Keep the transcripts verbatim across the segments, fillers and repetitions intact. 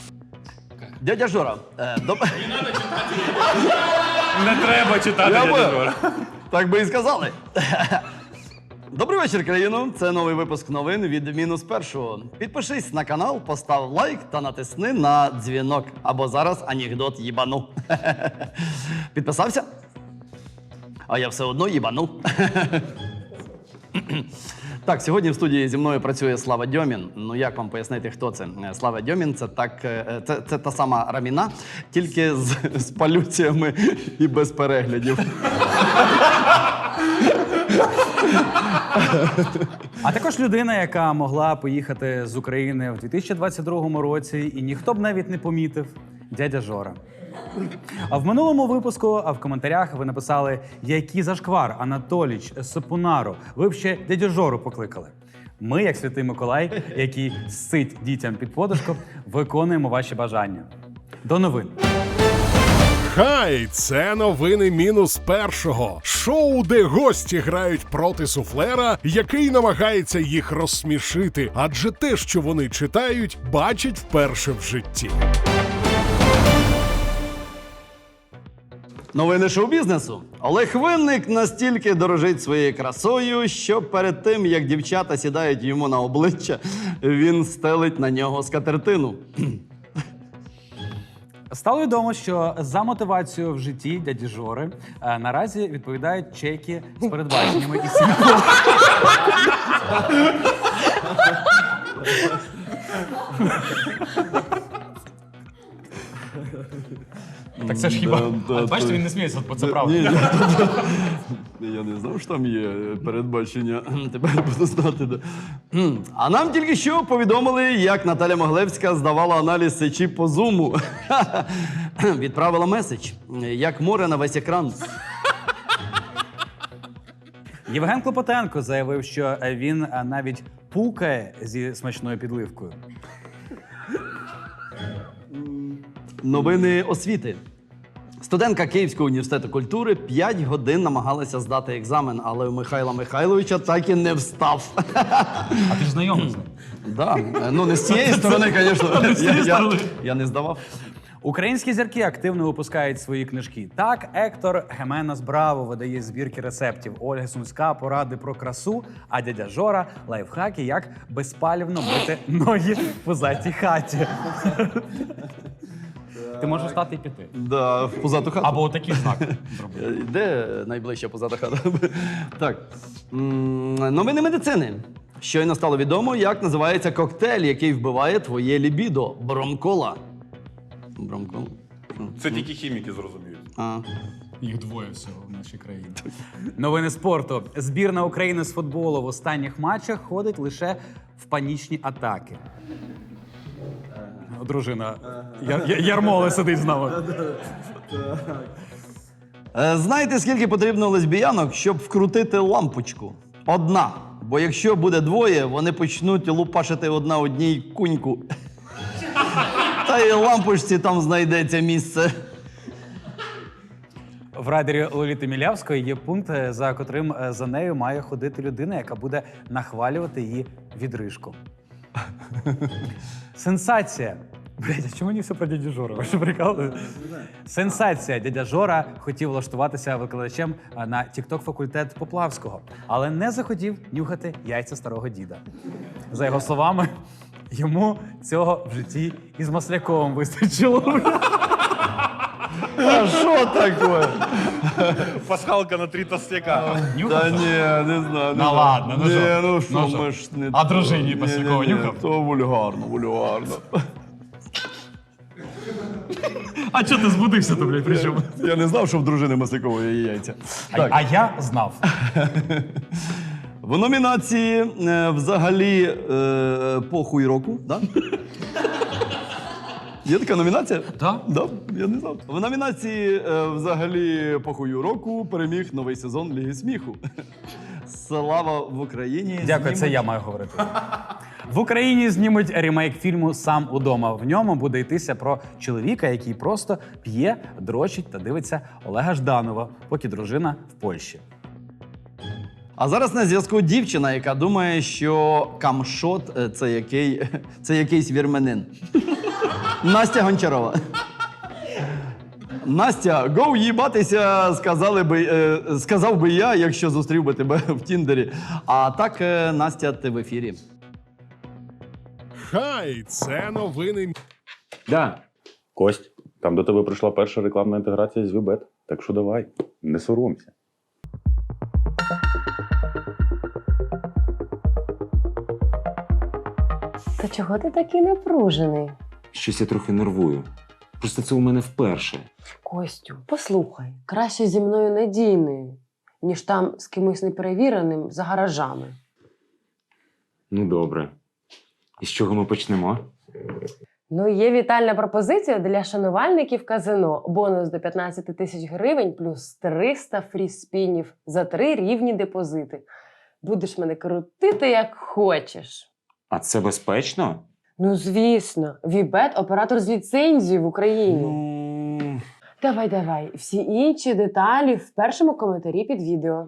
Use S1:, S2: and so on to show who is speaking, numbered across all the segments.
S1: Дядя Жора, е, доб...
S2: Не треба читати, дядя Жора.
S1: Так би і сказали. Добрий вечір, країно. Це новий випуск новин від мінус першого. Підпишись на канал, постав лайк та натисни на дзвінок. Або зараз анекдот їбану. Підписався? А я все одно їбану. Так, сьогодні в студії зі мною працює Слава Дьомін. Ну як вам пояснити, хто це? Слава Дьомін – це, так, це, це та сама Раміна, тільки з, з палюціями і без переглядів.
S3: А також людина, яка могла поїхати з України в дві тисячі двадцять другому році, і ніхто б навіть не помітив – дядя Жора. А в минулому випуску, а в коментарях ви написали, який зашквар, Анатоліч, Сапунару, ви б ще дядю Жору покликали. Ми, як Святий Миколай, який сить дітям під подушку, виконуємо ваші бажання. До новин.
S4: Хай, це новини мінус першого. Шоу, де гості грають проти суфлера, який намагається їх розсмішити, адже те, що вони читають, бачать вперше в житті.
S1: Новини шоу-бізнесу. Олег Винник настільки дорожить своєю красою, що перед тим, як дівчата сідають йому на обличчя, він стелить на нього скатертину.
S3: Стало відомо, що за мотивацію в житті дяді Жори е, наразі відповідають чеки з передбаченнями і сім'ї.
S2: Так це ж хіба...
S1: Да, да,
S2: А, бачите,
S1: то-
S2: він не сміється, бо це
S1: Ні,
S2: правда.
S1: ні, Я не знав, що там є передбачення. Тепер буду знати. Да. А нам тільки що повідомили, як Наталя Моглевська здавала аналіз сечі по зуму. Відправила меседж. Як море на весь екран.
S3: Євген Клопотенко заявив, що він е, навіть пукає зі смачною підливкою.
S1: Новини освіти. Студентка Київського університету культури п'ять годин намагалася здати екзамен, але у Михайла Михайловича так і не встав.
S2: А ти ж знайомий з ним.
S1: Да. Ну, не з цієї сторони, звісно.
S2: Не з цієї
S1: Я, я,
S2: сторони.
S1: я не здавав.
S3: Українські зірки активно випускають свої книжки. Так, Ектор Геменас Браво видає збірки рецептів, Ольга Сумська поради про красу, а дядя Жора лайфхаки, як безпалівно мити ноги в пузатій хаті. Ти можеш встати і піти.
S1: Да, в позату хату.
S2: Або отакий знак зробити.
S1: Е, Де найближча позата хата? Так. М, Новини медицини. Щойно стало відомо, як називається коктейль, який вбиває твоє лібідо. Бромкола. Бромкола?
S5: Це тільки хіміки зрозуміють.
S1: А.
S2: Їх двоє всього в нашій країні.
S3: Новини спорту. Збірна України з футболу в останніх матчах ходить лише в панічні атаки. Дружина Яр- Яр- Ярмоли сидить з нами.
S1: Е, Знаєте, скільки потрібно лесбіянок, щоб вкрутити лампочку? Одна. Бо якщо буде двоє, вони почнуть лупашити одна одній куньку. Та й лампочці там знайдеться місце.
S3: В райдері Лоліти Мілявської є пункт, за котрим е, за нею має ходити людина, яка буде нахвалювати її відрижку. Сенсація. Блядь, а чому мені все про дядю Жору? Ви що прикалуєте? Сенсація. Дядя Жора хотів влаштуватися викладачем е, на тікток-факультет Поплавського, але не захотів нюхати яйця старого діда. За його словами, йому цього в житті із Масляковим вистачило.
S1: А що таке?
S5: Пасхалка на три толстяка.
S1: Та ні, не знаю.
S2: Ну ладно, ну
S1: ні,
S2: що?
S1: ну що,
S2: Ну що?
S1: ми ж не...
S2: А дружині
S1: Ні,
S2: Пасікова
S1: ні, ні,
S2: нюхав?
S1: То вульгарно, вульгарно.
S2: А чого ти збудився то, блядь, при чому?
S1: Я не знав, що в дружини Маслякової є яйця.
S2: А,
S1: Так.
S2: а я знав.
S1: В номінації е, взагалі е, похуй року, да? Є така номінація?
S2: Так.
S1: Да, я не знав. В номінації е, взагалі похую року переміг новий сезон Ліги сміху. Слава в Україні.
S3: Дякую, це я маю говорити. В Україні знімуть ремейк фільму «Сам удома». В ньому буде йтися про чоловіка, який просто п'є, дрочить та дивиться Олега Жданова, поки дружина в Польщі.
S1: А зараз на зв'язку дівчина, яка думає, що камшот – це, який, це якийсь вірменин. Настя Гончарова. Настя, гоу їбатися, сказали би, е, сказав би я, якщо зустрів би тебе в Тіндері. А так, е, Настя, ти в ефірі.
S4: Хай, це новини.
S5: Да. Кость, там до тебе прийшла перша рекламна інтеграція з Вібет. Так що давай, не соромся.
S6: Та чого ти такий напружений?
S7: Щось я трохи нервую. Просто це у мене вперше.
S6: Костю, послухай, краще зі мною надійною, ніж там з кимось неперевіреним за гаражами.
S7: Ну, добре. І з чого ми почнемо?
S6: Ну, є вітальна пропозиція для шанувальників казино. Бонус до п'ятнадцять тисяч гривень плюс триста фрі-спінів за три рівні депозити. Будеш мене крутити, як хочеш.
S7: А це безпечно?
S6: Ну, звісно, Вібет – оператор з ліцензією в Україні.
S7: Ну.
S6: Давай, давай. Всі інші деталі в першому коментарі під відео.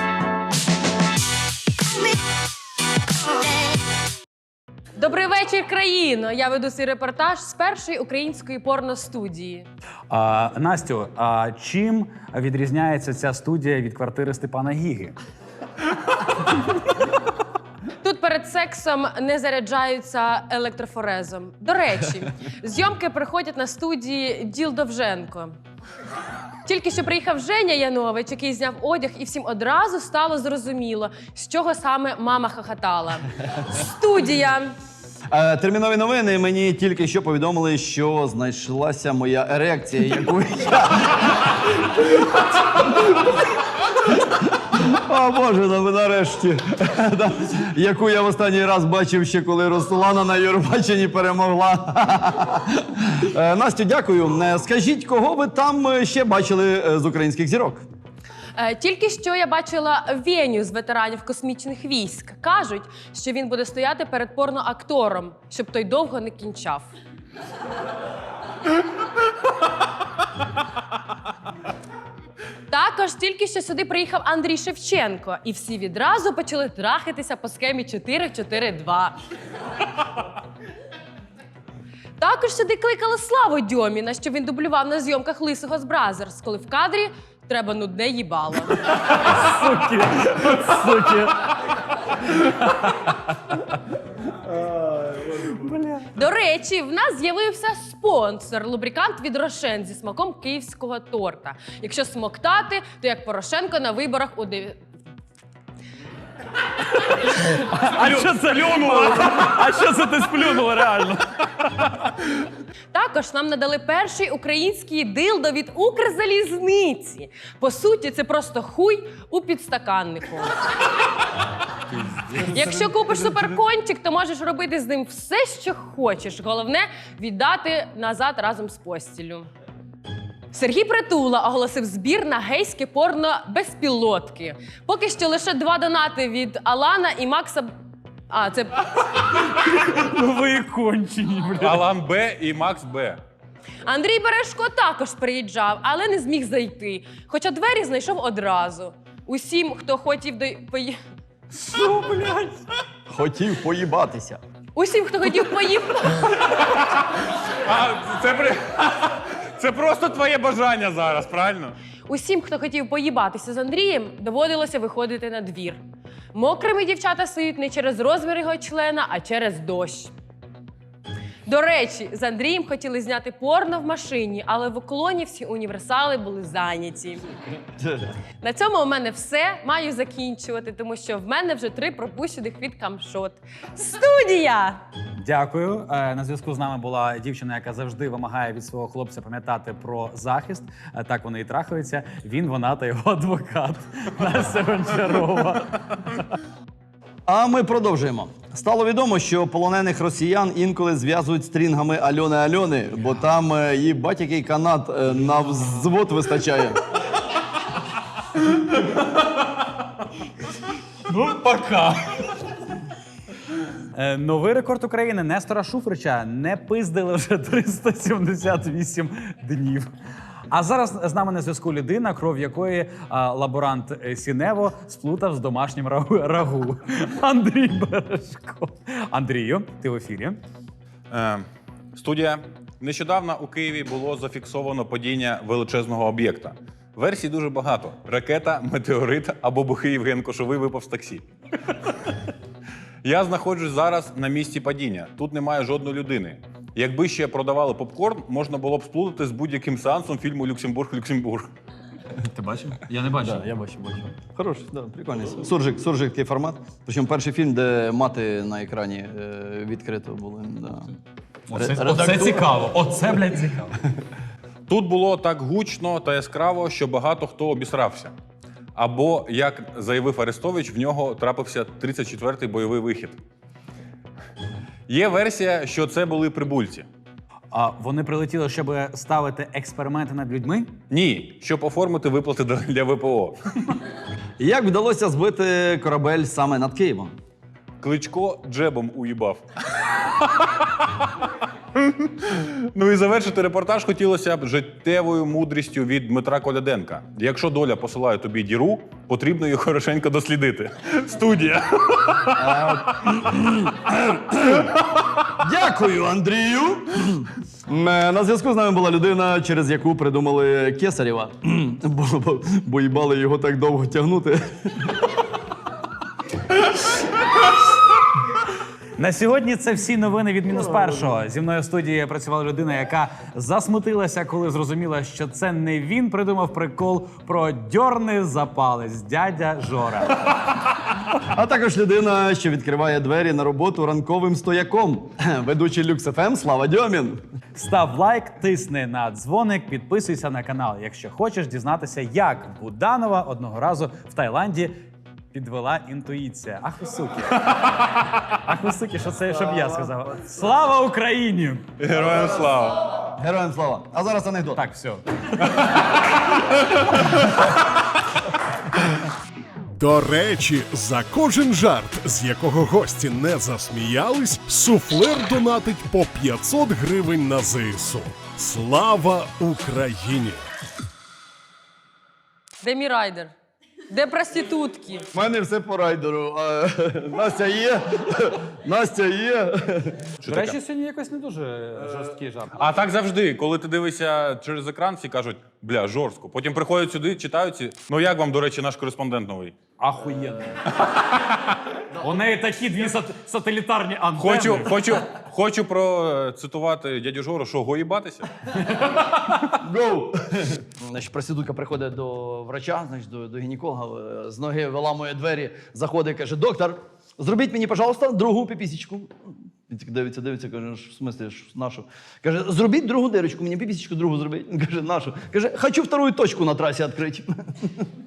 S8: Добрий вечір, країно! Я веду свій репортаж з першої української порностудії.
S3: А, Настю, а чим відрізняється ця студія від квартири Степана Гіги?
S8: Тут перед сексом не заряджаються електрофорезом. До речі, зйомки приходять на студії Діл Довженко. Тільки що приїхав Женя Янович, який зняв одяг, і всім одразу стало зрозуміло, з чого саме мама хохотала. Студія.
S1: Е, термінові новини. Мені тільки що повідомили, що знайшлася моя ерекція, яку я... О, Боже, ну нарешті. Да. Яку я в останній раз бачив ще, коли Руслана на Євробаченні перемогла. Е, Настю, дякую. Е, Скажіть, кого ви там е, ще бачили е, з українських зірок?
S8: Е, Тільки що я бачила Веню з ветеранів космічних військ. Кажуть, що він буде стояти перед порноактором, щоб той довго не кінчав. Також тільки що сюди приїхав Андрій Шевченко, і всі відразу почали трахатися по схемі чотири чотири два. Також сюди кликали Славу Дьоміна, що він дублював на зйомках Лисого з Бразерс, коли в кадрі треба нудне їбало.
S3: Суки! Суки!
S8: До речі, в нас з'явився спонсор – лубрикант від Рошен зі смаком київського торта. Якщо смоктати, то як Порошенко на виборах у дев...
S3: А що це плюнуло? А що це ти сплюнула реально?
S8: Також нам надали перший український дилдо від Укрзалізниці. По суті, це просто хуй у підстаканнику. Якщо купиш суперкончик, то можеш робити з ним все, що хочеш. Головне – віддати назад разом з постіллю. Сергій Притула оголосив збір на гейське порно безпілотки. Поки що лише два донати від Алана і Макса... А, це...
S3: Ну ви кончені, бля.
S5: Алан Б і Макс Б.
S8: Андрій Бережко також приїжджав, але не зміг зайти. Хоча двері знайшов одразу. Усім, хто хотів до... пої-
S3: Що, блядь?
S1: Хотів поїбатися.
S8: Усім, хто хотів поїхати...
S5: А, це, при... це просто твоє бажання зараз, правильно?
S8: Усім, хто хотів поїбатися з Андрієм, доводилося виходити на двір. Мокрими дівчата стають не через розмір його члена, а через дощ. До речі, з Андрієм хотіли зняти порно в машині, але в уклоні всі універсали були зайняті. На цьому у мене все. Маю закінчувати, тому що в мене вже три пропущених від камшот. Студія!
S3: Дякую. Е, На зв'язку з нами була дівчина, яка завжди вимагає від свого хлопця пам'ятати про захист. Е, Так вони і трахаються. Він, вона та його адвокат. Настя Гончарова.
S1: А ми продовжуємо. Стало відомо, що полонених росіян інколи зв'язують стрінгами Альони Альони, бо там е, їбать який канат е, на взвод вистачає.
S2: Ну, пока.
S3: Е, Новий рекорд України Нестора Шуфрича не пиздили вже триста сімдесят вісім днів. А зараз з нами на зв'язку людина, кров якої а, лаборант е, Сінево сплутав з домашнім рагу. рагу. Андрій Бережко. Андрію, ти в ефірі.
S5: Е, студія.
S9: Нещодавно у Києві було зафіксовано падіння величезного об'єкта. Версій дуже багато: ракета, метеорит або бухий Євген Кошовий випав з таксі. Я знаходжусь зараз на місці падіння. Тут немає жодної людини. Якби ще продавали попкорн, можна було б сплутати з будь-яким сеансом фільму «Люксембург-Люксембург».
S2: Ти бачив? Я не бачив.
S1: Да, я бачу, бачу. Хороший, да, прикольний. Суржик, суржик такий формат. Причому перший фільм, де мати на екрані е, відкрито були. Да.
S2: Оце,
S1: Ре-
S2: оце
S1: редактура.
S2: цікаво. Оце, блядь, цікаво.
S9: Тут було так гучно та яскраво, що багато хто обісрався. Або, як заявив Арестович, в нього трапився тридцять четвертий бойовий вихід. Є версія, що це були прибульці.
S3: А вони прилетіли, щоб ставити експерименти над людьми?
S9: Ні, щоб оформити виплати для ВПО.
S1: Як вдалося збити корабель саме над Києвом?
S9: Кличко джебом уїбав. Ну і завершити репортаж хотілося б життєвою мудрістю від Дмитра Коляденка. Якщо доля посилає тобі діру, потрібно її хорошенько дослідити. Студія.
S1: Дякую, Андрію! Е, На зв'язку з нами була людина, через яку придумали Кесарєва. Бо, бо, бо їбали його так довго тягнути.
S3: На сьогодні це всі новини від мінус першого. Зі мною в студії працювала людина, яка засмутилася, коли зрозуміла, що це не він придумав прикол про дьорни за палець, дядя Жора.
S1: А також людина, що відкриває двері на роботу ранковим стояком. Ведучий Люкс еф ем Слава Дьомін.
S3: Став лайк, тисни на дзвоник, підписуйся на канал, якщо хочеш дізнатися, як Буданова одного разу в Таїланді підвела інтуїція. Ах ви суки. Ах ви суки, що це, щоб я сказав. Слава Україні!
S9: Героям слава!
S1: Героям слава. А зараз анекдот.
S3: Так, все.
S4: До речі, за кожен жарт, з якого гості не засміялись, суфлер донатить по п'ятсот гривень на зе ес у. Слава Україні!
S8: Де мій райдер? Де проститутки?
S1: У мене все по райдеру. А, Настя є. Настя є.
S3: До речі, сьогодні якось не дуже жорсткий жарт.
S9: А так завжди, коли ти дивишся через екран, всі кажуть, бля, жорстко. Потім приходять сюди, читають ці. Ну як вам, до речі, наш кореспондент новий?
S3: Ахуєнно. У неї такі дві сат- сателітарні антени.
S9: Хочу, хочу, хочу процитувати дядю Жору, що гоїбатися?
S1: Гоу! Значить, проститутка приходить до врача, значить, до, до гінеколога, е, з ноги виламує двері, заходить і каже: доктор, зробіть мені, пожалуйста, другу піпісечку. Він так дивиться, дивиться, каже: в смислі, ж, нашу? Каже: зробіть другу дирочку, мені піпісечку другу зробіть. Він каже: нашу? Каже: хочу вторую точку на трасі відкрити.